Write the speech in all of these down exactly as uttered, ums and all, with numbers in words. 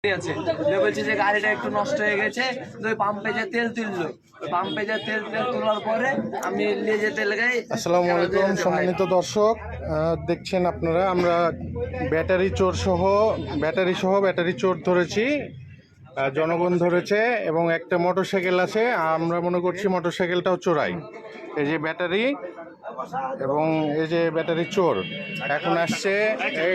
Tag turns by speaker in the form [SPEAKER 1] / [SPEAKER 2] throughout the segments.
[SPEAKER 1] আছে বলছে যে গাড়িটা একটু নষ্ট হয়ে গেছে, ওই পাম্পে যে তেল তুললো, পাম্পে যে তেল তেল তোলার পরে আমি নিয়ে যেতে লাগাই।
[SPEAKER 2] আসসালামু আলাইকুম সম্মানিত দর্শক, দেখছেন আপনারা আমরা ব্যাটারি চোর সহ ব্যাটারি সহ ব্যাটারি চোর ধরেছি, জনগণ ধরেছে এবং একটা মোটরসাইকেল আছে। আমরা মনে করছি মোটরসাইকেলটাও চোরাই। এই যে ব্যাটারি এবং এই যে ব্যাটারি চোর এখন আসছে এই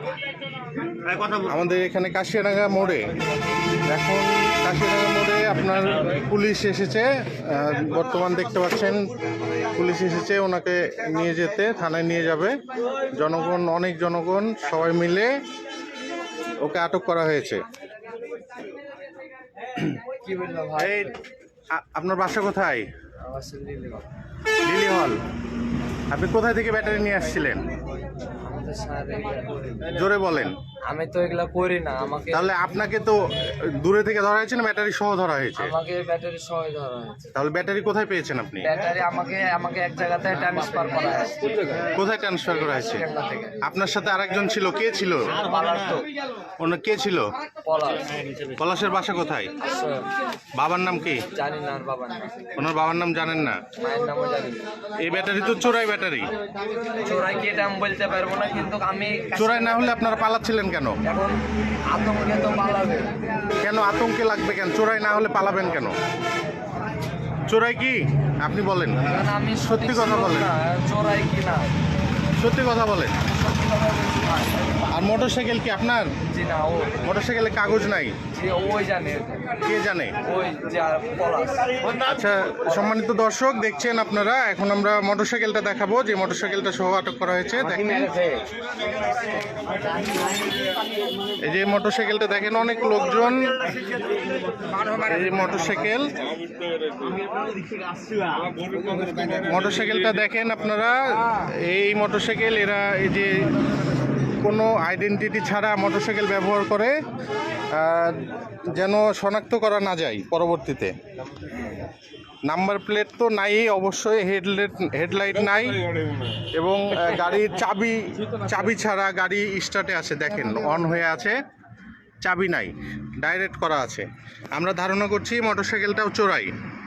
[SPEAKER 2] আমাদের এখানে কাশিয়াডাঙ্গা মোড়ে। এখন কাশিয়াডাঙ্গা মোড়ে আপনার পুলিশ এসেছে, বর্তমান দেখতে পাচ্ছেন পুলিশ এসেছে ওনাকে নিয়ে যেতে, থানায় নিয়ে যাবে। জনগণ, অনেক জনগণ সবাই মিলে ওকে আটক করা হয়েছে। এই আপনার বাসা কোথায়? লিলি হল। আপনি কোথায় থেকে ব্যাটারি নিয়ে আসছিলেন? জোরে বলেন।
[SPEAKER 1] আমি তো এগুলা করি না। আমাকে
[SPEAKER 2] তাহলে আপনাকে তো দূরে থেকে ধরা হয়েছে না ব্যাটারি সহ ধরা হয়েছে?
[SPEAKER 1] আমাকে ব্যাটারি সহ ধরা হয়েছে।
[SPEAKER 2] তাহলে ব্যাটারি কোথায় পেয়েছেন আপনি?
[SPEAKER 1] ব্যাটারি আমাকে আমাকে এক জায়গাতে ট্রান্সফার করা হয়েছে।
[SPEAKER 2] কোথায় ট্রান্সফার করা হয়েছে? আপনার সাথে আরেকজন ছিল, কে ছিল? অন্য কে ছিল?
[SPEAKER 1] পলাশ।
[SPEAKER 2] পলাশের বাসা কোথায়? বাবার নাম কি?
[SPEAKER 1] জানি না। বাবার নাম?
[SPEAKER 2] ওনার বাবার নাম জানেন না?
[SPEAKER 1] মায়ের নামও জানি না।
[SPEAKER 2] এই ব্যাটারি তো চোরাই ব্যাটারি।
[SPEAKER 1] চোরাই কি এটা আমি বলতে পারবো না, কিন্তু আমি
[SPEAKER 2] চোরাই না হলে আপনারা পালাচ্ছিলেন কেন?
[SPEAKER 1] এখন আতঙ্কে তো পালাবে।
[SPEAKER 2] কেন আতঙ্কে লাগবে কেন? চোরাই না হলে পালাবেন কেন? চোরাই কি আপনি বলেন?
[SPEAKER 1] আমি
[SPEAKER 2] সত্যি কথা বলেন।
[SPEAKER 1] চোরাই কি না
[SPEAKER 2] সত্যি কথা বলেন। আর মোটরসাইকেল কি আপনার?
[SPEAKER 1] জি না। ও
[SPEAKER 2] মোটরসাইকেলে কাগজ নাই?
[SPEAKER 1] জি ওই জানে।
[SPEAKER 2] কে জানে?
[SPEAKER 1] ওই যে পলাশ।
[SPEAKER 2] আচ্ছা সম্মানিত দর্শক, দেখছেন আপনারা, এখন আমরা মোটরসাইকেলটা দেখাবো যে মোটরসাইকেলটা সহ আটক করা হয়েছে। দেখেন এই যে মোটরসাইকেলটা দেখেন, অনেক লোকজন। এই যে মোটরসাইকেল মোটরসাইকেলটা দেখেন আপনারা। এই মোটরসাইকেল এরা এই যে কোনো আইডেন্টিটি ছাড়া মোটরসাইকেল ব্যবহার করে, যেন শনাক্ত করা না যায় পরবর্তীতে। নাম্বার প্লেট তো নাই, অবশ্যই হেডলাইট হেডলাইট নাই, এবং গাড়ির চাবি চাবি ছাড়া গাড়ি স্টার্টে আছে, দেখেন অন হয়ে আছে, চাবি নাই, ডাইরেক্ট করা আছে। আমরা ধারণা করছি মোটরসাইকেলটাও চোরাই।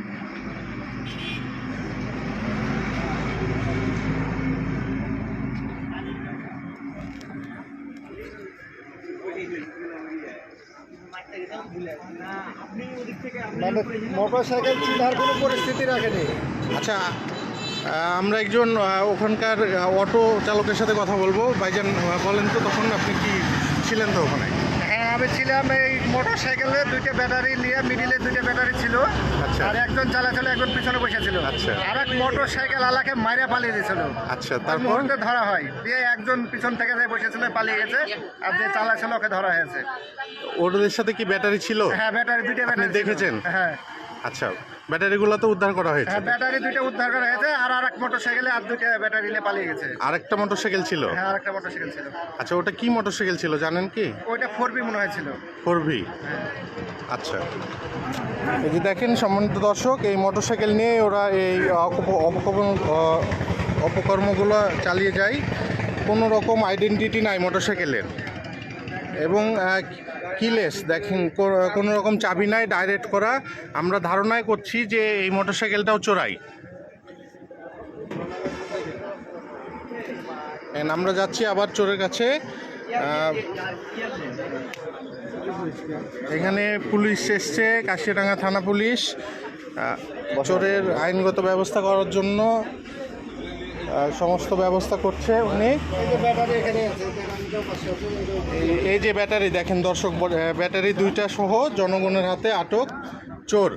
[SPEAKER 3] মোটরসাইকেল চিনার কোনো পরিস্থিতি রাখেনি।
[SPEAKER 2] আচ্ছা, আমরা একজন ওখানকার অটো চালকের সাথে কথা বলবো। ভাইজান বলেন তো, তখন আপনি কি ছিলেন তো ওখানে?
[SPEAKER 3] হ্যাঁ আমি ছিলাম। এই মোটরসাইকেলে দুইটা ব্যাটারি নিয়ে, মিডিলে দুইটা ব্যাটারি ছিল।
[SPEAKER 2] আচ্ছা।
[SPEAKER 3] আর একজন চালাচ্ছিল, একজন পিছনে বসেছিল।
[SPEAKER 2] আচ্ছা।
[SPEAKER 3] আর এক মোটরসাইকেল আলাকে মাইরা পালিয়ে দিয়েছিল।
[SPEAKER 2] আচ্ছা,
[SPEAKER 3] তার
[SPEAKER 2] তারপর
[SPEAKER 3] মুহূর্তে ধরা হয়। দিয়ে একজন পিছন থেকে যে বসেছিল পালিয়ে গেছে, আর যে চালাচ্ছিল ওকে ধরা হয়েছে।
[SPEAKER 2] ওদের সাথে কি ব্যাটারি ছিল?
[SPEAKER 3] হ্যাঁ ব্যাটারি দুইটা
[SPEAKER 2] আপনি
[SPEAKER 3] ব্যাটারি
[SPEAKER 2] দেখেছেন?
[SPEAKER 3] হ্যাঁ।
[SPEAKER 2] আচ্ছা, ব্যাটারিগুলো তো উদ্ধার করা হয়েছে।
[SPEAKER 3] হ্যাঁ ব্যাটারি দুইটা উদ্ধার করা হয়েছে। আর আর এক মোটরসাইকেলে আর দুইটা ব্যাটারি নিয়ে পালিয়ে গেছে।
[SPEAKER 2] আরেকটা মোটরসাইকেল ছিল?
[SPEAKER 3] হ্যাঁ আরেকটা মোটরসাইকেল ছিল।
[SPEAKER 2] আচ্ছা, ওটা কি মোটরসাইকেল ছিল জানেন কি?
[SPEAKER 3] ওইটা ফোর বি মনে হয়েছিল।
[SPEAKER 2] Four V. আচ্ছা, এই যে দেখেন সম্মানিত দর্শক, এই মোটরসাইকেল নিয়ে ওরা এই অপকর্ম অপকর্মগুলো চালিয়ে যায়। কোনো রকম আইডেন্টিটি নাই মোটরসাইকেলের, এবং কিলেস দেখেন, কোনো রকম চাবি নাই, ডাইরেক্ট করা। আমরা ধারণায় করছি যে এই মোটরসাইকেলটাও চোরাই। আমরা যাচ্ছি আবার চোরের কাছে। এখানে পুলিশ এসছে, কাশিয়াডাঙ্গা থানা পুলিশ চোরের আইনগত ব্যবস্থা করার জন্য সমস্ত ব্যবস্থা করছে উনি। এই যে ব্যাটারি দেখেন দর্শক, ব্যাটারি দুইটা সহ জনগণের হাতে আটক চোর।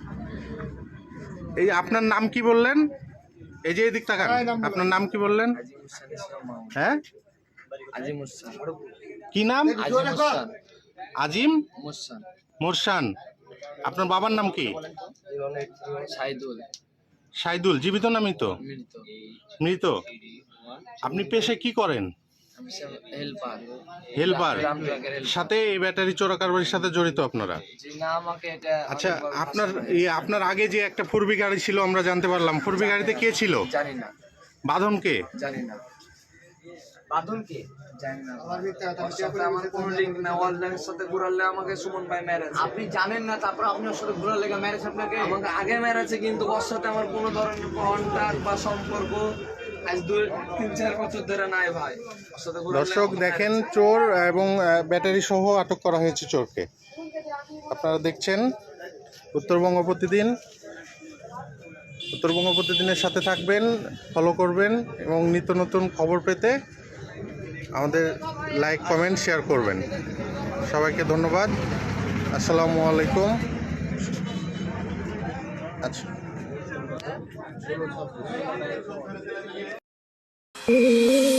[SPEAKER 2] এই আপনার নাম কি বললেন? এই যে এদিক তাকান, আপনার নাম কি বললেন? হ্যাঁ, কি নাম? আজিম মোরসান। আপনার বাবার নাম কি? সাইদুল। জীবিত না মৃত? মৃত। আপনি পেশে কি করেন? হেল্পার। সাথে এই ব্যাটারি চোরা কারবারির সাথে জড়িত আপনারা? আচ্ছা, আপনার আপনার আগে যে একটা ফোরবি গাড়ি ছিল আমরা জানতে পারলাম, ফোরবি গাড়িতে কে ছিল?
[SPEAKER 1] জানি না।
[SPEAKER 2] বাঁধন কে?
[SPEAKER 1] জানি না। বাঁধন কে জানি না। ওর সাথে আমার কোনো লিঙ্ক না, ওর সাথে ঘুরালে আমাকে সুমন ভাই মেরেছে। আপনি জানেন না, তারপর আপনার সাথে ঘুরার লেগে মেরেছে আপনাকে? আমাকে আগে মেরেছে, কিন্তু ওর সাথে আমার কোনো ধরনের কন্টাক্ট বা সম্পর্ক আজ দুই তিন চার বছর ধরে নাই ভাই। ওর সাথে ঘুরালে
[SPEAKER 2] দর্শক দেখেন, চোর এবং ব্যাটারি সহ আটক করা হয়েছে চোরকে। আপনারা দেখছেন উত্তরবঙ্গ প্রতিদিন। উত্তরবঙ্গ প্রতিদিনের সাথে থাকবেন, ফলো করবেন এবং নিত্য নতুন খবর পেতে আমাদের লাইক কমেন্ট শেয়ার করবেন। সবাইকে ধন্যবাদ। আসসালামু আলাইকুম। আচ্ছা।